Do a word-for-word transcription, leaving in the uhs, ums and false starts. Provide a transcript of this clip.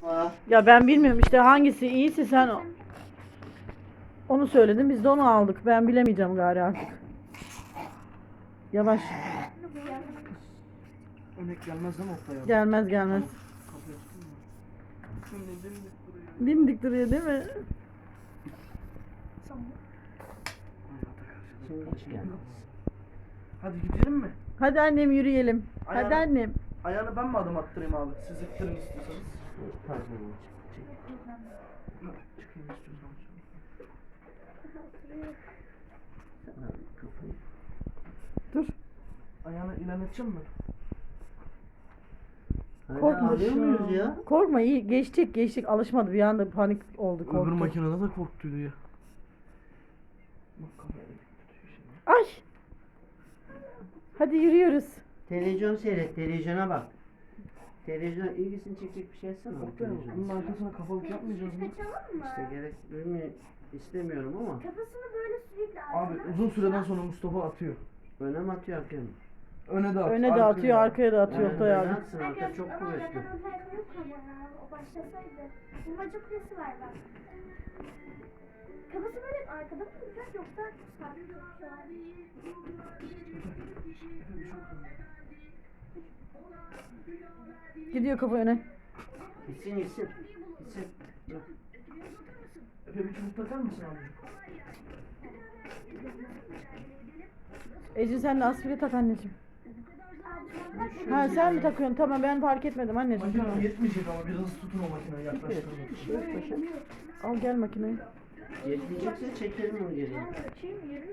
Var. Ya ben bilmiyorum işte hangisi iyiyse sen o- onu söyledin, biz de onu aldık. Ben bilemeyeceğim gari artık. Yavaş. Örnek gelmez değil mi Oktay abi? Gelmez gelmez. Kapıyı açtın mı? Şimdi dimdik duruyor. Dimdik duruyor değil mi? Hayata karşı. Şimdi hiç gelmez. Hadi gidelim mi? Hadi annem yürüyelim. Hadi Ayağını- annem. Ayağını ben mi adım attırayım abi? Siz ittirin istiyorsanız. Pardon. Çıkayım istiyorsanız. Sen abi kafayı. Dur. Ayağını ilerleteceğim mi? Hala Korkma alıyor şu muyuz ya? Korkma, iyi geçtik geçtik, alışmadı, bir anda panik oldu, Öbür korktu. makinede de korktuydu ya. Bak kafaya dik tutuyor şimdi. Ay. Hadi yürüyoruz. Televizyon seyret, televizyona bak. Televizyon ilgisini çekecek bir şey etsene. abi Oktay abi bunun televizyona. arkasına kafalık yapmayacağız mı? Kaçalım mı? İşte gerek duymuyor, istemiyorum ama Kafasını böyle sürekli Abi arkadan uzun süreden sonra Mustafa atıyor. öne mi atıyor arkaya mı? Öne de atıyor. Öne de atıyor, arkaya da atıyor Yani Oktay öne abi. atsın, arka Arkadaşlar çok ama kuvvetli. zaten o tayfa yok ama ya. O başlasaydı. Bulmaca kulesi var bak. Kafası böyle arkada mı duracak yoksa sabit duracak? Gidiyor kafa öne. Gitsin gitsin. Gitsin. Dur. Efe bir çubuk takar mısın abi? Ece sen de aspire tak anneciğim. Ha sen mi takıyorsun? Tamam, ben fark etmedim anneciğim. Makine Tamam. yetmeyecek ama biraz tutun o makineyi yaklaştırın. Şöyle paşa. Al gel makineyi. Yetmeyecekse çekelim onu geriye. Açayım mı?